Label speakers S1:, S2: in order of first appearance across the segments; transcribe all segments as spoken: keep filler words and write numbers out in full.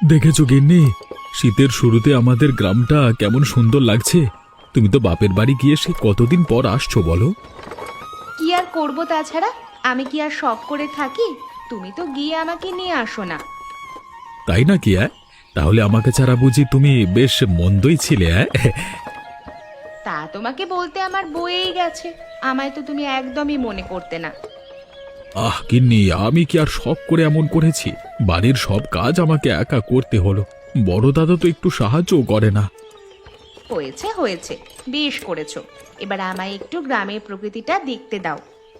S1: দেখেছো গিন্নি, শীতের শুরুতে আমাদের গ্রামটা কেমন সুন্দর লাগছে। তুমি তো বাপের বাড়ি গিয়ে সে কতদিন পর আসছো বলো।
S2: কি আর করব তাছাড়া? আমি কি আর শখ করে থাকি? তুমি তো গিয়ে আমাকে নিয়ে আসো না।
S1: তাই না কি? অ্যাঁ তাহলে আমাকে ছাড়া বুঝি তুমি বেশ মন্দই ছিলে? অ্যাঁ
S2: তা তোমাকে বলতে আমার বয়েই গেছে। আমায় তো তুমি একদমই মনে করতে না।
S1: আহ গিন্নি, আমি কি আর শখ করে এমন করেছি? বাড়ির সব কাজ আমাকে একা করতে হলো। বড় দাদা তো একটু সাহায্যও করে না।
S2: হয়েছে হয়েছে, বেশ করেছো। এবার আমায় একটু গ্রামের প্রকৃতিটা দেখতে দাও।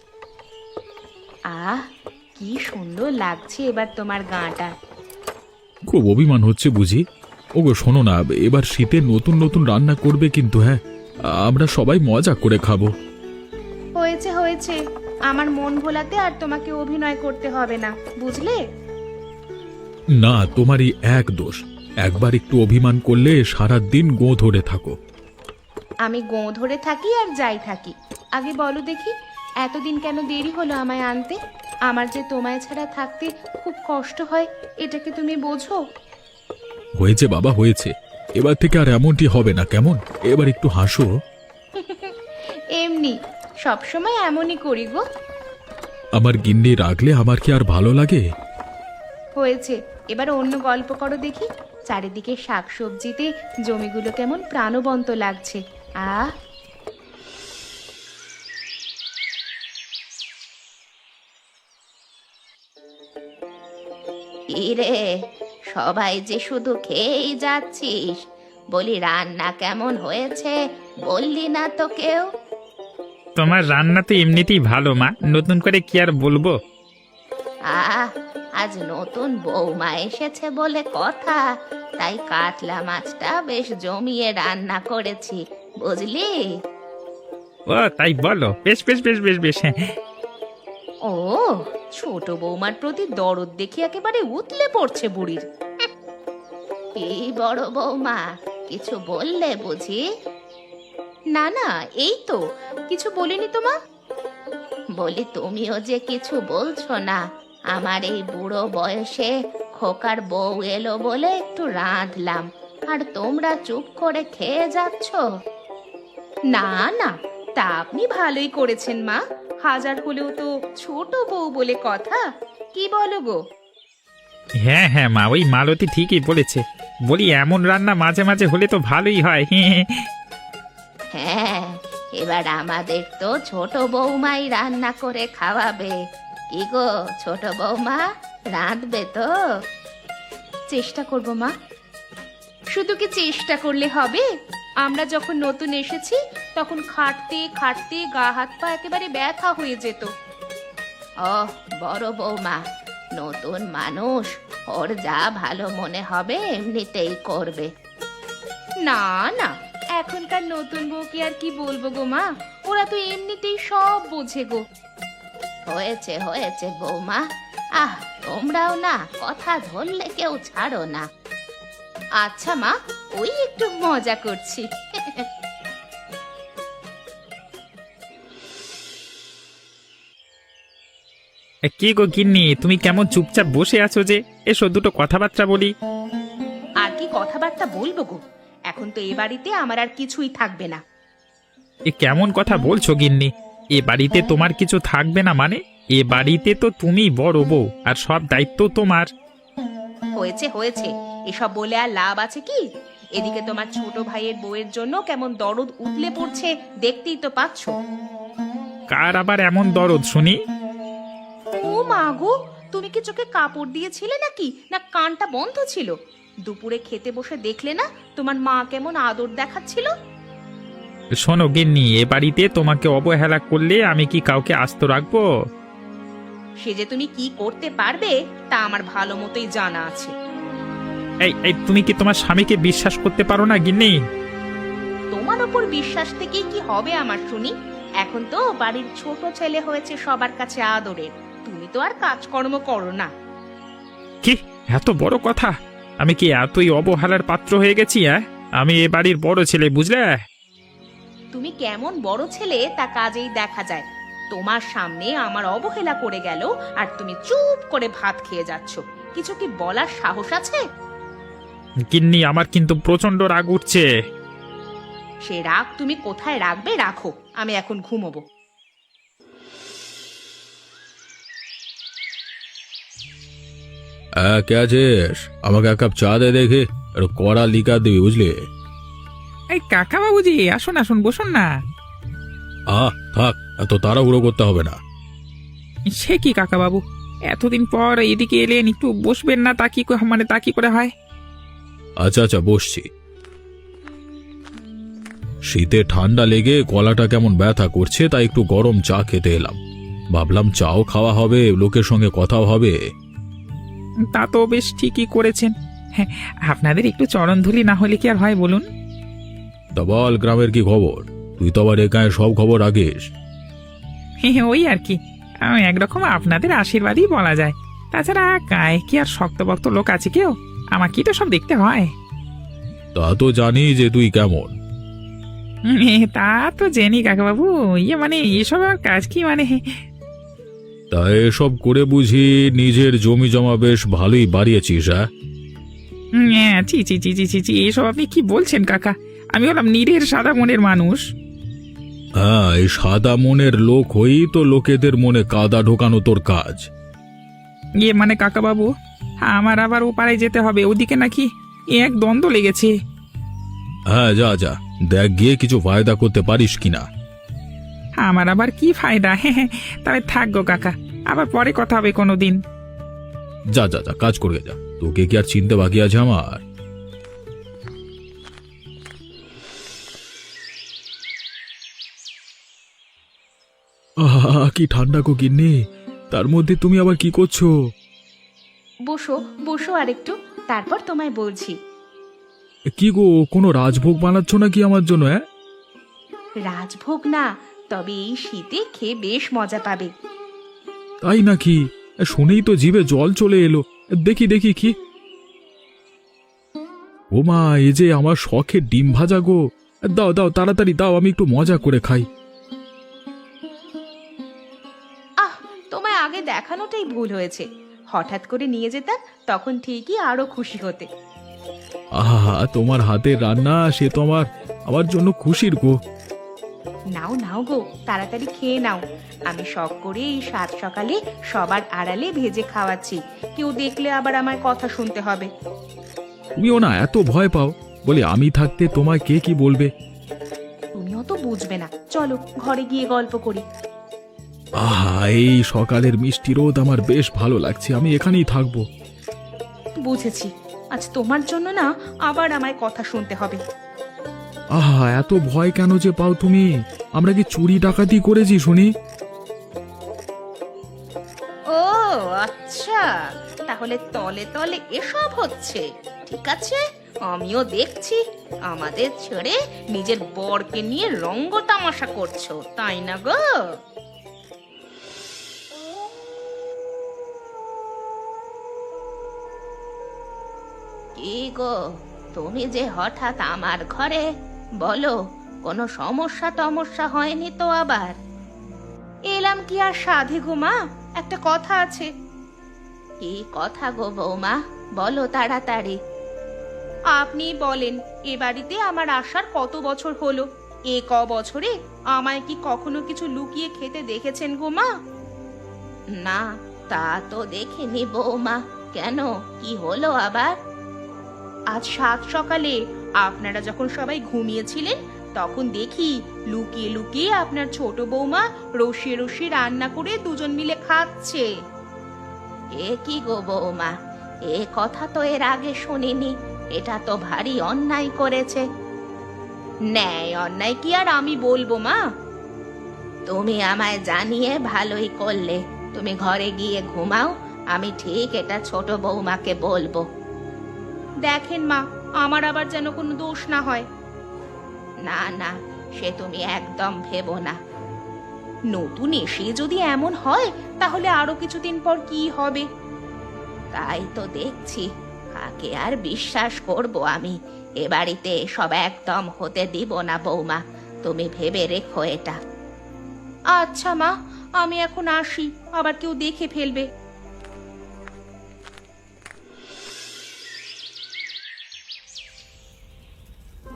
S2: আহ, কি সুন্দর লাগছে এবার তোমার গাঁটা।
S1: খুব অভিমান হচ্ছে বুঝি? ওগো শোনো না, এবার শীতে নতুন নতুন রান্না করবে কিন্তু। হ্যাঁ, আমরা সবাই মজা করে খাবো।
S2: হয়েছে হয়েছে, আমার মন ভোলাতে আর তোমাকে অভিনয় করতে হবে না, বুঝলে?
S1: না, তোমারই এক দোষ। একবার একটু অভিমান করলে সারা দিন গো ধরে থাকো।
S2: আমি গোঁ ধরে থাকি আর যাই থাকি। আগে বলো দেখি, এতদিন কেন দেরি হলো আমায় আনতে? আমার যে তোমায় ছাড়া থাকতে খুব কষ্ট হয়, এটাকে তুমি বোঝো?
S1: হয়েছে বাবা, হয়েছে। এবার থেকে আর এমনটি হবে না, কেমন? এবার একটু হাসো।
S2: এমনি সবসময় এমনই করি গো।
S1: আমার গিন্নি রাগলে আমার কি আর ভালো লাগে?
S2: হয়েছে, এবার অন্য গল্প করো দেখি। চারিদিকে শাকসবজিতে জমিগুলো কেমন প্রাণবন্ত লাগছে। আহ, রে, সবাই যে শুধু খেয়েই যাচ্ছিস, বলি রান্না কেমন হয়েছে বললি না তো কেউ?
S3: তোমার রান্না তো এমনিতেই ভালো মা, নতুন করে কি আর বলবো।
S2: আহ, আজ নতুন বৌমা এসেছে বলে কথা, তাই কাতলা মাছটা বেশ জমিয়ে রান্না করেছি, বুঝলি?
S3: ও তাই বলো, বেশ বেশ বেশ বেশ বেশ হ্যাঁ।
S2: ও, ছোট বৌমার প্রতি দরদ দেখি একেবারে উতলে পড়ছে বুড়ির। এই বড় বৌমা, কিছু বললে বুঝি? না না, এই তো কিছু বলিনি তো মা। বলি তুমিও যে কিছু বলছো না। আমার এই বুড়ো বয়সে খোকার বউ এলো বলে একটু রাঁধলাম, আর তোমরা চুপ করে খেয়ে যাচ্ছ। না না, তা আপনি ভালোই করেছেন মা। হাজার হলেও তো ছোট বউ বলে কথা, কি বলো গো?
S3: হ্যাঁ হ্যাঁ মা, ওই মালতী ঠিকই বলেছে। বলি এমন রান্না মাঝে মাঝে হলে তো ভালোই হয়।
S2: হ্যাঁ, এবার আমাদের তো ছোট বৌমাই রান্না করে খাওয়াবে। কি গো ছোট বৌমা, রাঁধবে তো? চেষ্টা করব মা। শুধু কি চেষ্টা করলে হবে? আমরা যখন নতুন এসেছি তখন খাটতে খাটতে গা হাত পা একেবারে ব্যথা হয়ে যেত। ও বড় বৌমা, নতুন মানুষ, ওর যা ভালো মনে হবে এমনিতেই করবে। না না, এখনকার নতুন বউকে আর কি বলবো গো মা, ওরা তো এমনিতেই সব বোঝে গো। হয়েছে হয়েছে বৌমা, আহ তোমরাও না কথা ধরলে কেউ ছাড়ো না। আচ্ছা মা, ওই একটু মজা করছি।
S3: কি গো গিন্নি, তুমি কেমন চুপচাপ বসে আছো যে? এসো দুটো কথাবার্তা বলি।
S2: আর কি কথাবার্তা বলবো গো? এখন তো এ বাড়িতে আমার আর কিছুই থাকবে না।
S3: এ কেমন কথা বলছো গিন্নি? এ বাড়িতে তোমার কিছু থাকবে না মানে? এ বাড়িতে তো তুমি বড় বউ, আর সব দায়িত্ব তোমার।
S2: হয়েছে হয়েছে, এসব বলে আর লাভ আছে কি? এদিকে তোমার ছোট ভাইয়ের বউয়ের জন্য কেমন দরদ উতলে পড়ছে, দেখতেই তো পাচ্ছো।
S3: কার আবার এমন দরদ শুনি?
S2: ও মা গো, তুমি কি চোখে কাপড় দিয়েছিলে নাকি, না কানটা বন্ধ ছিল? দুপুরে খেতে বসে দেখলে না তোমার মা কেমন আদর দেখাচ্ছিল?
S3: শোনো গিন্নি, এ বাড়িতে তোমাকে অবহেলা করলে আমি কি কাউকে আস্ত রাখবো?
S2: সে যে তুমি কি করতে পারবে তা আমার ভালো মতোই জানা আছে।
S3: এই এই তুমি কি তোমার স্বামীকে বিশ্বাস করতে পারো না গিন্নি?
S2: তোমার ওপর বিশ্বাস থেকেই কি হবে আমার শুনি? এখন তো বাড়ির ছোট ছেলে হয়েছে সবার কাছে আদরের, তুমি তো আর কাজকর্ম করো না।
S3: কি এত বড় কথা? আমি কি এতই অবহেলার পাত্র হয়ে গেছি? হ্যাঁ, আমি এ বাড়ির বড় ছেলে, বুঝলে?
S2: তুমি কেমন বড় ছেলে তা কাজেই দেখা যায়। তোমার সামনে আমার অবহেলা করে গেল আর তুমি চুপ করে ভাত খেয়ে যাচ্ছ, কিছু কি বলার সাহস আছে?
S3: গিন্নি আমার কিন্তু প্রচন্ড রাগ উঠছে।
S2: সে রাগ তুমি কোথায় রাখবে রাখো, আমি এখন ঘুমোবো।
S1: হ্যাঁ, কে আছিস? আমাকে এক কাপ চা দে দেখে, একটু কড়া লিকার দিবি বুঝলি।
S3: এই কাকা বাবুজি, আসুন আসুন, বসুন না।
S1: আহ থাক, এত তাড়াহুড়ো করতে হবে না।
S3: সে কি কাকা বাবু, এতদিন পর এদিকে এলেন, একটু বসবেন না? তা কি ক- মানে তা কি করে হয়?
S1: আচ্ছা আচ্ছা, বসছি। শীতে ঠান্ডা লেগে গলাটা কেমন ব্যথা করছে, তাই একটু গরম চা খেতে এলাম। ভাবলাম চাও খাওয়া হবে, লোকের সঙ্গে কথাও হবে।
S3: তা তো বেশ ঠিকই করেছেন। হ্যাঁ, আপনাদের একটু চরণধুলি না হলে কি আর হয় বলুন?
S1: তা বল, গ্রামের কি খবর? তুই তো আবার একাই সব খবর রাখিস।
S3: হ্যাঁ, ওই আর কি, আমি একরকম আপনাদের আশীর্বাদই বলা যায়। তাছাড়া গায়ে কি আর শক্তভক্ত লোক আছে কেউ? আমাকেই তো সব দেখতে হয়।
S1: তা তো জানি যে তুই কেমন।
S3: হুম, তা তো জানি কাকাবাবু, ইয়ে মানে এসব আর কাজ কি মানে?
S1: তা এসব করে বুঝি নিজের জমি জমা বেশ ভালোই বাড়িয়েছিস? হ্যাঁ,
S3: হুম, হ্যাঁ, ছি ছি ছি ছি ছি ছি, এসব আপনি কি বলছেন কাকা? আমি হলাম নিরের সাদা মনের মানুষ।
S1: হ্যাঁ, এই সাদা মনের লোক হই তো লোকেদের মনে কাদা ঢোকানো তোর কাজ।
S3: ইয়ে মানে কাকাবাবু, আমার আবার ও পাড়ায় যেতে হবে, ওদিকে নাকি এক দ্বন্দ্ব লেগেছে।
S1: হ্যাঁ, যা যা, দেখ গিয়ে কিছু ফায়দা করতে পারিস কিনা।
S3: আমার আবার কি ফায়দা? হ্যাঁ হ্যাঁ, তবে থাকবো কাকা, আবার পরে কথা হবে কোনো দিন।
S1: যা যা যা, কাজ করে যা, তোকে কি আর চিনতে বাকি আছে আমার? আহা, কি ঠান্ডা গো গিন্নি, তার মধ্যে তুমি আবার কি করছো?
S2: বসো বসো আর একটু, তারপর তোমায় বলছি।
S1: কি গো, কোনো রাজভোগ বানাচ্ছ নাকি আমার জন্য? হ্যাঁ,
S2: রাজভোগ না, তবে এই শীতে খেয়ে বেশ মজা পাবে।
S1: তাই নাকি? শুনেই তো জিভে জল চলে এলো। দেখি দেখি কি। ও মা, এই যে আমার শখের ডিম ভাজা গো। দাও দাও, তাড়াতাড়ি দাও, আমি একটু মজা করে খাই।
S2: আহ, তোমায় আগে দেখানোটাই ভুল হয়েছে। হঠাৎ করে নিয়ে যেতাম, তখন ঠিকই আরো খুশি হতে।
S1: আহা, তোমার হাতের রান্না, সে তো আমার আমার জন্য খুশির গো।
S2: নাও নাও গো, তাড়াতাড়ি খেয়ে নাও। আমি শখ করে এই সাত সকালে সবার আড়ালে ভেজে খাওয়াচ্ছি, কেউ দেখলে আবার আমার কথা শুনতে হবে।
S1: তুমিও না এত ভয় পাও, বলি আমি থাকতে তোমায় কে কি বলবে?
S2: তুমিও তো বুঝবে না, চলো ঘরে গিয়ে গল্প করি।
S1: আহা, এই সকালের মিষ্টি রোদ আমার বেশ ভালো লাগছে, আমি এখানেই থাকবো।
S2: বুঝেছি, আজ তোমার জন্য না আবার আমায় কথা শুনতে হবে।
S1: আহা, এত ভয় কেন যে পাও তুমি? আমরা কি চুরি ডাকাতি করেছি শুনি?
S2: ও আচ্ছা, তাহলে তলে তলে এসব হচ্ছে। ঠিক আছে, আমিও দেখছি। আমাদের ছেড়ে নিজের বরকে নিয়ে রঙ্গ তামাশা করছো, তাই না গো? কি গো, তুমি যে হঠাৎ আমার ঘরে, বলো কোনো সমস্যা টমস্যা হয়নি তো আবার? এলাম কি আর সাধে গো মা, একটা কথা আছে। কি কথা গো বৌমা, বলো তাড়াতাড়ি। আপনি বলেন, এ বাড়িতে আমার আসার কত বছর হলো? এ ক বছরে আমায় কি কখনো কিছু লুকিয়ে খেতে দেখেছেন গো মা? না, তা তো দেখিনি বৌমা। কেন, কি হলো আবার? আজ সাত সকালে আপনারা যখন সবাই ঘুমিয়েছিলেন, তখন দেখি লুকিয়ে লুকিয়ে আপনার ছোট বৌমা রসিয়ে রসিয়ে রান্না করে দুজন মিলে খাচ্ছে। এ কি গো বৌমা, এ কথা তো এর আগে শুনিনি। এটা তো ভারী অন্যায় করেছে। ন্যায় অন্যায় কি আর আমি বলবো মা? তুমি আমায় জানিয়ে ভালোই করলে। তুমি ঘরে গিয়ে ঘুমাও, আমি ঠিক এটা ছোট বৌমাকে বলবো। দেখেন মা, আমার আবার যেন কোনো দোষ না হয়। না না, সে তুমি একদম ভেবো না। নতুন এসে যদি এমন হয়, তাহলে আরো কিছুদিন পর কি হবে? তাই তো দেখছি, কাকে আর বিশ্বাস করব আমি? এ বাড়িতে সব একদম হতে দিব না বৌমা, তুমি ভেবে রেখো এটা। আচ্ছা মা, আমি এখন আসি, আবার কেউ দেখে ফেলবে।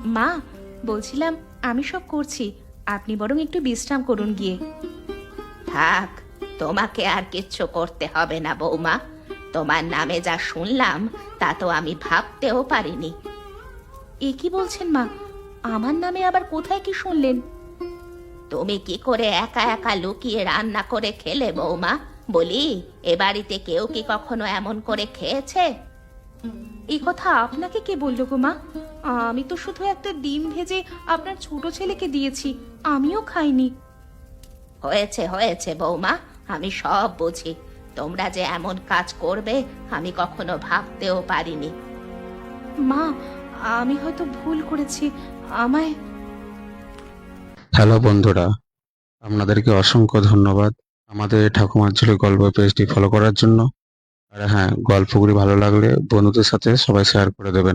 S2: মা, বলছিলাম আমি সব করছি, আপনি বরং একটু বিশ্রাম করুন গিয়ে। থাক, তোমাকে আর কিচ্ছু করতে হবে না বৌমা। তোমার নামে যা শুনলাম তা তো আমি ভাবতেও পারিনি। এ কি বলছেন মা? আমার নামে আবার কোথায় কি শুনলেন? তুমি কি করে একা একা লুকিয়ে রান্না করে খেলে বৌমা? বলি, এ বাড়িতে কেউ কি কখনো এমন করে খেয়েছে? এই কথা আপনাকে কে বললো গো মা? আমি তো শুধু একটা ডিম ভেজে আপনার ছোট ছেলেকে দিয়েছি, আমিও খাইনি। হয়েছে হয়েছে বৌমা, আমি সব বুঝি। তোমরা যে এমন কাজ করবে আমি কখনো ভাবতেও পারিনি। মা, আমি হয়তো ভুল করেছি, আমায়।
S4: হ্যালো বন্ধুরা, আপনাদেরকে অসংখ্য ধন্যবাদ আমাদের ঠাকুমার ঝুলি গল্প পেজটি ফলো করার জন্য। আর হ্যাঁ, গল্পগুলি ভালো লাগলে বন্ধুদের সাথে সবাই শেয়ার করে দেবেন।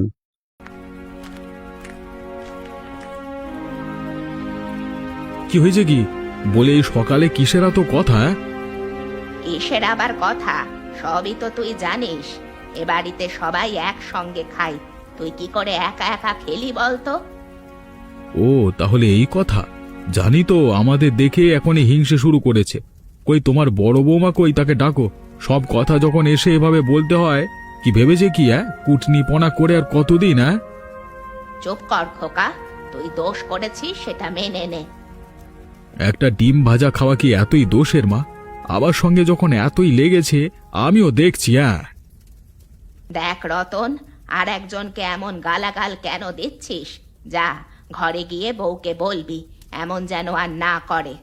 S1: কি হয়েছে কি? বলে এই সকালে কিসের এত কথা? হ্যাঁ?
S2: কিসের আবার কথা? সবই তো তুই জানিস। এ বাড়িতে সবাই একসঙ্গে খাই, তুই কি করে একা একা খেলি বলতো?
S1: ও, তাহলে এই কথা। জানি তো, আমাদের দেখে এখনই হিংসে শুরু করেছে। কই তোমার বড় বৌমা কই? তাকে ডাকো। সব কথা যখন এসে এভাবে বলতে হয়, কি ভেবেছে কি? হ্যাঁ, কুটনিপনা করে আর কতদিন? হ্যাঁ,
S2: চুপ কর খোকা, তুই দোষ করেছিস সেটা মেনে নে।
S1: একটা ডিম ভাজা খাওয়া কি এতই দোষের মা? আবার সঙ্গে যখন এতই লেগেছে, আমিও দেখছি। হ্যাঁ,
S2: দেখ রতন, আর একজনকে এমন গালাগাল কেন দিচ্ছিস? যা, ঘরে গিয়ে বউকে বলবি এমন যেন আর না করে।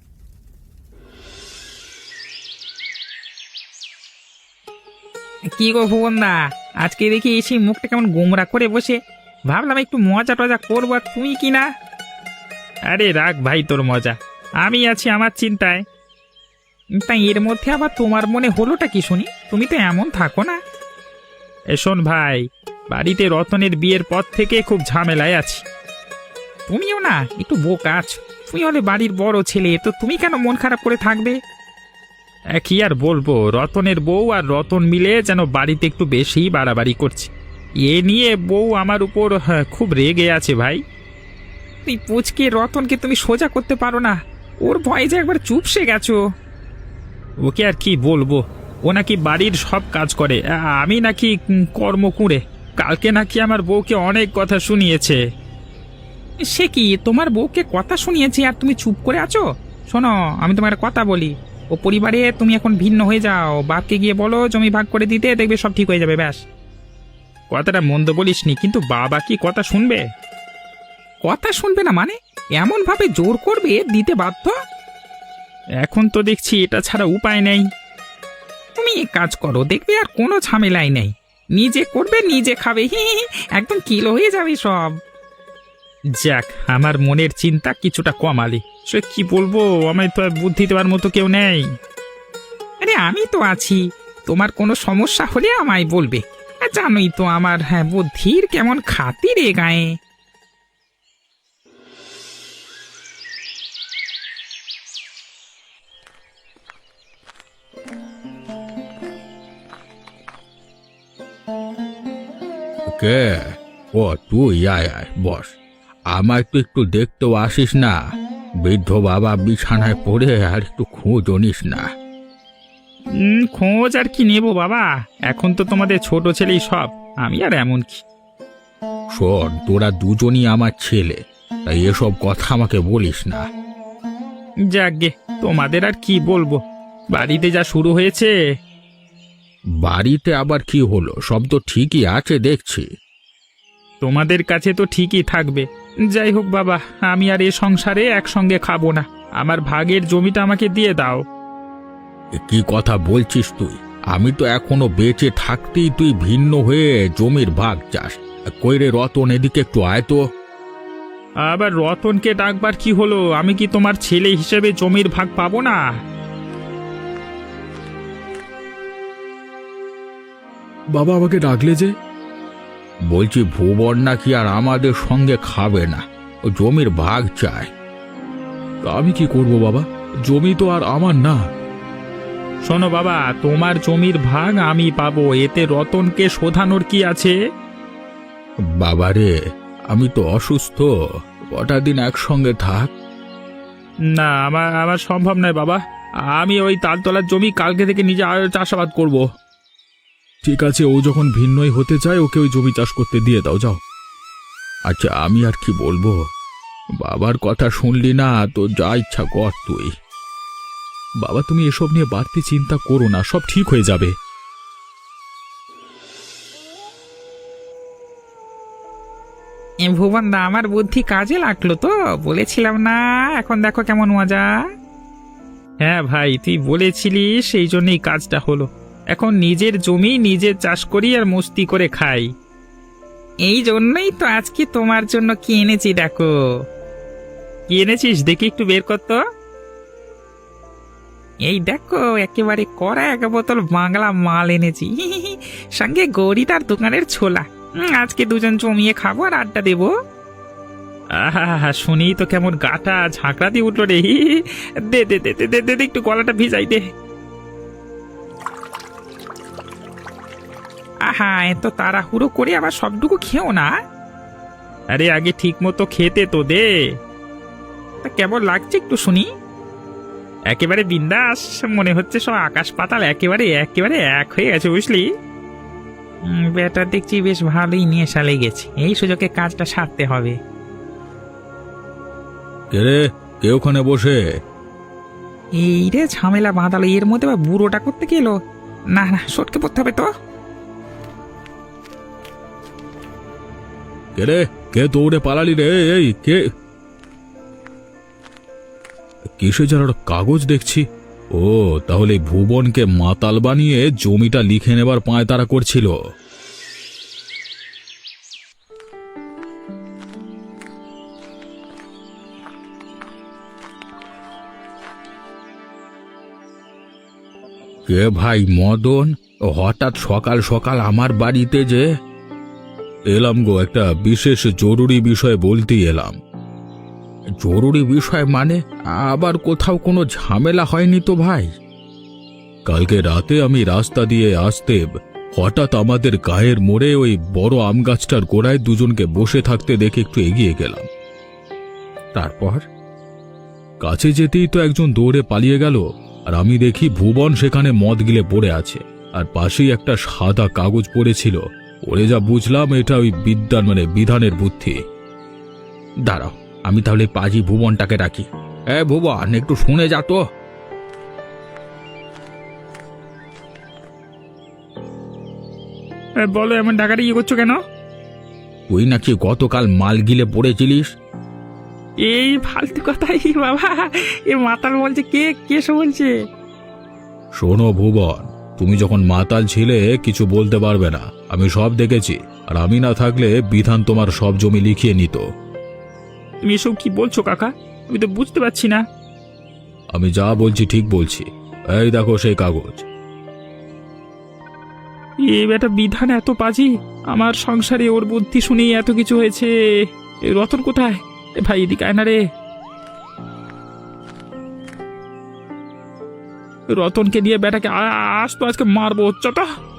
S3: কি গো ভুবনদা, আজকে দেখি এসে মুখটা কেমন গোমরা করে বসে। ভাবলাম একটু মজা টজা করবো, আর তুমি কি না। আরে রাখ ভাই তোর মজা, আমি আছি আমার চিন্তায়। তাই এর মধ্যে আবার তোমার মনে হলোটা কি শুনি? তুমি তো এমন থাকো না। এ শোন ভাই, বাড়িতে রতনের বিয়ের পর থেকে খুব ঝামেলায় আছি। তুমিও না একটু বোকা আছো। তুমি হলে বাড়ির বড় ছেলে, তো তুমি কেন মন খারাপ করে থাকবে? এ, কি আর বলবো, রতনের বউ আর রতন মিলে যেন বাড়িতে একটু বেশি বাড়াবাড়ি করছে। এ নিয়ে বউ আমার উপর হ্যাঁ, খুব রেগে আছে ভাই। তুই পুচকে রতনকে তুমি সোজা করতে পারো না? ওর ভয়ে যে একবার চুপসে গেছো। ওকে আর কি বলবো, ও নাকি বাড়ির সব কাজ করে, আ- আমি নাকি উম, কর্ম কুঁড়ে। কালকে নাকি আমার বউকে অনেক কথা শুনিয়েছে। সে কি, তোমার বউকে কথা শুনিয়েছে আর তুমি চুপ করে আছো? শোনো, আমি তোমার একটা কথা বলি। ও পরিবারে তুমি এখন ভিন্ন হয়ে যাও, বাপকে গিয়ে বলো জমি ভাগ করে দিতে, দেখবে সব ঠিক হয়ে যাবে। ব্যাস। কথাটা মন্দ বলিসনি, কিন্তু বাবা কি কথা শুনবে? কথা শুনবে না মানে? এমন ভাবে জোর করবে দিতে বাধ্য। এখন তো দেখছি এটা ছাড়া উপায় নেই। তুমি এক কাজ করো, দেখবে আর কোনো ঝামেলাই নেই। নিজে করবে, নিজে খাবে, হি হি হি, একদম কিলো হয়ে যাবে সব। যাক, আমার মনের চিন্তা কিছুটা কমালি। সে কি বলবো, আমায় তো আর বুদ্ধি দেওয়ার মতো কেউ নেই। আরে আমি তো আছি, তোমার কোনো সমস্যা হলে আমায় বলবে। আর জানোই তো আমার হ্যাঁ বুদ্ধির কেমন খাতির এ গায়ে।
S1: কে? ও তুই, আয় আয় বস। আমায় তো একটু দেখতেও আসিস না? বৃদ্ধ বাবা বিছানায় পড়ে, আর একটু খোঁজও নিস না?
S3: উম, খোঁজ আর কি নেবো বাবা, এখন তো তোমাদের ছোট ছেলেই সব, আমি আর এমন কি।
S1: শোন, তোরা দুজনই আমার ছেলে, তাই এসব কথা আমাকে বলিস না।
S3: যাকগে, তোমাদের আর কি বলবো, বাড়িতে যা শুরু হয়েছে।
S1: বাড়িতে আবার কি হলো? সব তো ঠিকই আছে দেখছি।
S3: তোমাদের কাছে তো ঠিকই থাকবে। যাই হোক বাবা, আমি আর এ সংসারে একসঙ্গে খাবো না। আমার ভাগের জমিটা আমাকে দিয়ে দাও।
S1: এ কি কথা বলছিস তুই? আমি তো এখনো বেঁচে থাকতেই তুই ভিন্ন হয়ে জমির ভাগ চাস? কই রে রতন, এদিকে একটু আয় তো।
S3: আবার রতনকে ডাকবার কি হলো? আমি কি তোমার ছেলে হিসেবে জমির ভাগ পাবো না?
S1: বাবা আমাকে ডাকলে যে? বলছি ভুবন নাকি আর আমাদের সঙ্গে খাবে না, ও জমির ভাগ চায়। তা আমি কি করব বাবা? জমি তো আর আমার না।
S3: শোনো বাবা, তোমার জমির ভাগ আমি পাবো, এতে রতনকে শোধানোর কি আছে?
S1: বাবা রে, আমি তো অসুস্থ, কটা দিন একসঙ্গে থাক।
S3: না, আমার আমার সম্ভব নয় বাবা। আমি ওই তালতলার জমি কালকে থেকে নিজে আর চাষাবাদ করব।
S1: ঠিক আছে, ও যখন ভিন্নই হতে চায় ওকে ওই জমি চাষ করতে দিয়ে দাও, যাও। আচ্ছা, আমি আর কি বলবো, বাবার কথা শুনলি না তো, যা ইচ্ছা কর তুই। বাবা, তুমি এসব নিয়ে বাড়তি চিন্তা করো না, সব ঠিক হয়ে যাবে।
S3: এ ভুবন দা, আমার বুদ্ধি কাজে লাগলো তো, বলেছিলাম না? এখন দেখো কেমন মজা। হ্যাঁ ভাই, তুই বলেছিলি, সেই জন্যই কাজটা হলো। এখন নিজের জমি নিজে চাষ করি আর মস্তি করে খাই। এই জন্যই তো আজকে তোমার জন্য কি এনেছি দেখো। কি এনেছিস দেখি, একটু বের কর তো। এই দেখো, একেবারে কড়া এক বোতল বাংলা মাল এনেছি, সঙ্গে গৌরীটার দোকানের ছোলা। উম, আজকে দুজন জমিয়ে খাবো আর আড্ডা দেবো। আহা, শুনি তো কেমন গাটা ঝাঁকড়া দিয়ে উঠলো রে। দে দে দে দে দে দে দে, একটু গলাটা ভিজাই দে। আহা, এত তাড়াহুড়ো করে আবার সবটুকু খেও না। আরে আগে ঠিক মতো খেতে তো দে। তা কেমন লাগছে একটু শুনি। একেবারে বিন্দাস, মনে হচ্ছে সব আকাশ পাতাল একেবারে একেবারে এক হয়ে গেছে, বুঝলি। উম, বেটা দেখছি বেশ ভালোই নেশা লেগেছে, এই সুযোগে কাজটা সারতে হবে।
S1: কে রে, কে ওখানে বসে?
S3: এই রে ঝামেলা বাঁধালো, এর মধ্যে বা বুড়োটা করতে গেল। না না, সটকে পড়তে হবে তো।
S1: কে রে, কে দৌড়ে পালালি রে? এই কে? কিসে যেন একটা কাগজ দেখছি। ও, তাহলে ভুবনকে মাতাল বানিয়ে জমিটা লিখে নেবার পায়তারা করছিল। কে ভাই মদন, হঠাৎ সকাল সকাল আমার বাড়িতে যে? এলাম গো, একটা বিশেষ জরুরি বিষয় বলতে এলাম। জরুরি বিষয় মানে? আবার কোথাও কোনো ঝামেলা হয়নি তো ভাই? কালকে রাতে আমি রাস্তা দিয়ে আসতে হঠাৎ আমাদের গায়ের মোড়ে ওই বড় আম গাছটার গোড়ায় দুজনকে বসে থাকতে দেখে একটু এগিয়ে গেলাম। তারপর কাছে যেতেই তো একজন দৌড়ে পালিয়ে গেল, আর আমি দেখি ভুবন সেখানে মদ গিলে পড়ে আছে, আর পাশেই একটা সাদা কাগজ পড়েছিল। ওরে যা বুঝলাম, এটা ওই বিদ্যান মানে বিধানের বুদ্ধি। দাঁড়াও, আমি তাহলে পাজি ভুবনটাকে ডাকি। এ ভুবন, একটু শুনে যা তো।
S3: বলো, এমন ডাকাটা ইয়ে করছো কেন?
S1: তুই নাকি গতকাল মাল গিলে পড়েছিলিস?
S3: এই ফালতু কথাই বাবা, এ মাতাল বলছে। কে কে সে বলছে?
S1: শোনো ভুবন, তুমি যখন মাতাল ছিলে কিছু বলতে পারবে না, আমি সব দেখেছি। আর আমি না থাকলে বিধান তোমার সব জমি লিখিয়ে নিত।
S3: তুমি এসব কি বলছো কাকা? আমি তো বুঝতে পারছি না।
S1: আমি যা বলছি ঠিক বলছি। এই দেখো সেই কাগজ।
S3: এ বেটা বিধান এত পাজি, আমার সংসারে ওর বুদ্ধি শুনেই এত কিছু হয়েছে। এ রতন কোথায়? এ ভাই, এদিকে আয় না রে। রতনকে নিয়ে বেটাকে আ- আজ তো আজকে মারবো, চট।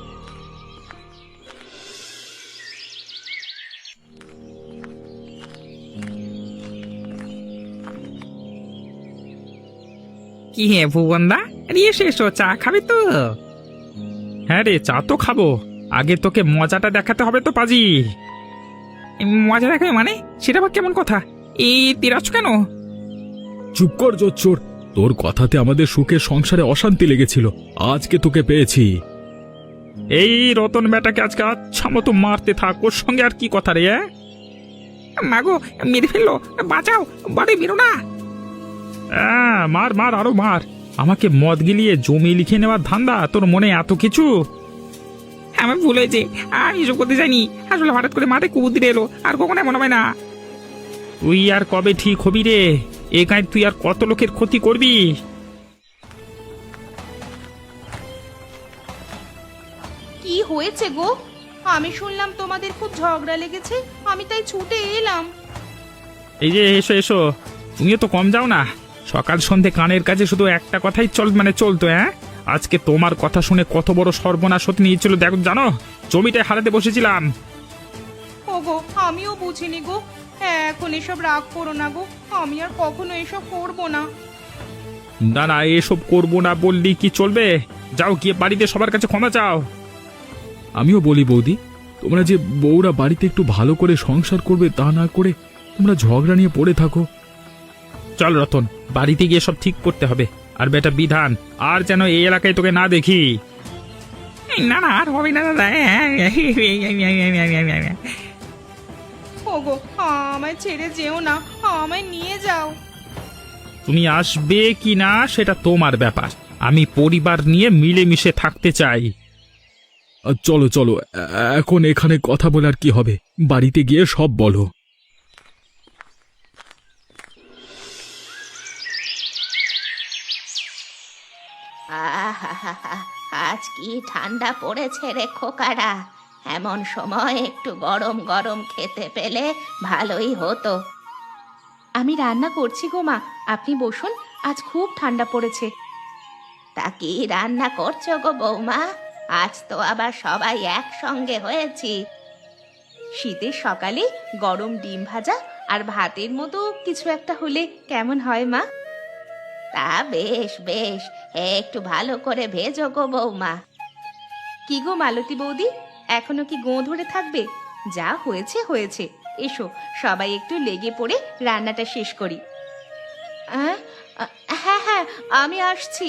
S3: কি হে ভুবনদা, এসো এসো, চা খাবি তো? হ্যাঁ রে, চা তো খাবো, আগে তোকে মজাটা দেখাতে হবে তো পাজি। মজা দেখাবে মানে? সেটা আবার কেমন কথা? এই তিরাজ কেন?
S1: চুপ কর জোচ্চোর, তোর কথাতে আমাদের সুখের সংসারে অশান্তি লেগেছিল, আজকে তোকে পেয়েছি।
S3: এই রতন বেটাকে আজকে আচ্ছা মতো মারতে থাক, ওর সঙ্গে আর কি কথা রে? মাগো, মেরে ফেললো, বাঁচাও, বাড়ি বেরো না। মার মার, আরো মার। আমাকে মদ গিলিয়ে জমি লিখে নেওয়ার ধান্দা তোর মনে এত কিছু? আমার ভুল হয়েছে, আমি এসব করতে যাইনি। আসলে হঠাৎ করে মাঠে কুবুদ্ধি এলো, আর কখনো এমন হবে না। তুই আর কবে ঠিক হবি রে? এ গায়ে তুই আর কত লোকের ক্ষতি করবি?
S2: কি হয়েছে গো? আমি শুনলাম তোমাদের খুব ঝগড়া লেগেছে, আমি তাই ছুটে এলাম।
S3: এই যে এসো এসো, তুমিও তো কম যাও না। সকাল সন্ধে কানের কাছে শুধু একটা কথাই চল মানে চলতো। হ্যাঁ, আজকে তোমার কথা শুনে কত বড় সর্বনাশ হতে নিয়েছিল দেখো, জানো? জমিটায় হারাতে বসেছিলাম।
S2: ও
S5: ওগো আমিও বুঝিনি গো। হ্যাঁ, এখন এসব রাগ করো না গো, আমি আর কখনো এসব করবো না।
S3: না না, এসব করবো না বললি কি চলবে? যাও গিয়ে বাড়িতে সবার কাছে ক্ষমা চাও।
S1: আমিও বলি বৌদি, তোমরা যে বউরা বাড়িতে একটু ভালো করে সংসার করবে তা না করে তোমরা ঝগড়া নিয়ে পড়ে থাকো।
S3: চল রতন, বাড়িতে গিয়ে সব ঠিক করতে হবে। আর বেটা বিধান, আর যেন এই এলাকায় তোকে না দেখি। না না, আর হবে না দাদা।
S5: ওগো আমায় ছেড়ে যেও না, আমায় নিয়ে যাও।
S3: তুমি আসবে কি না সেটা তোমার ব্যাপার, আমি পরিবার নিয়ে মিলেমিশে থাকতে চাই।
S1: আর চলো চলো, এ- এখন এখানে কথা বলার কি হবে, বাড়িতে গিয়ে সব বলো।
S2: আহাহাহা, আজ কি ঠান্ডা পড়েছে রে খোকারা। এমন সময় একটু গরম গরম খেতে পেলে ভালোই হতো। আমি রান্না করছি গো মা, আপনি বসুন, আজ খুব ঠান্ডা পড়েছে। তা কি রান্না করছো গো বৌমা? আজ তো আবার সবাই একসঙ্গে হয়েছি। শীতের সকালে গরম ডিম ভাজা আর ভাতের মতো কিছু একটা হলে কেমন হয় মা? তা বেশ বেশ, একটু ভালো করে ভেজো গো বৌমা। কি গো মালতী বৌদি, এখনো কি গোঁ ধরে থাকবে? যা হয়েছে হয়েছে, এসো সবাই একটু লেগে পড়ে রান্নাটা শেষ করি। আহ, আহ, হ্যাঁ হ্যাঁ, আমি আসছি।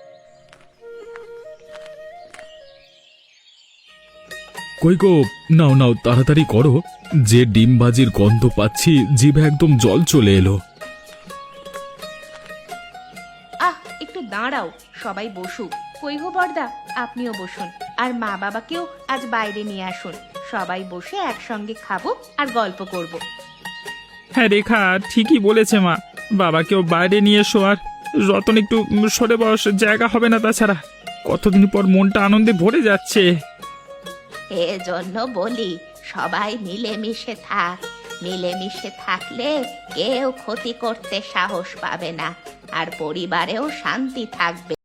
S1: কই গো, নাও নাও তাড়াতাড়ি করো, যে ডিম ভাজির গন্ধ পাচ্ছি জিভে একদম জল চলে এলো।
S2: আহ, একটু দাঁড়াও, সবাই বসুক। কই গো বর্দা, আপনিও বসুন, আর মা বাবাকেও আজ বাইরে নিয়ে আসুন। সবাই বসে একসঙ্গে খাবো আর গল্প করব।
S3: হ্যাঁ রেখা ঠিকই বলেছে মা, বাবাকেও বাইরে নিয়ে এসো। আর রতন একটু সরে বস, জায়গা হবে না তাছাড়া। কতদিন পর মনটা আনন্দে ভরে যাচ্ছে।
S2: এজন্য বলি, সবাই মিলেমিশে থাক। মিলেমিশে থাকলে কেউ ক্ষতি করতে সাহস পাবে না, আর পরিবারেও শান্তি থাকবে।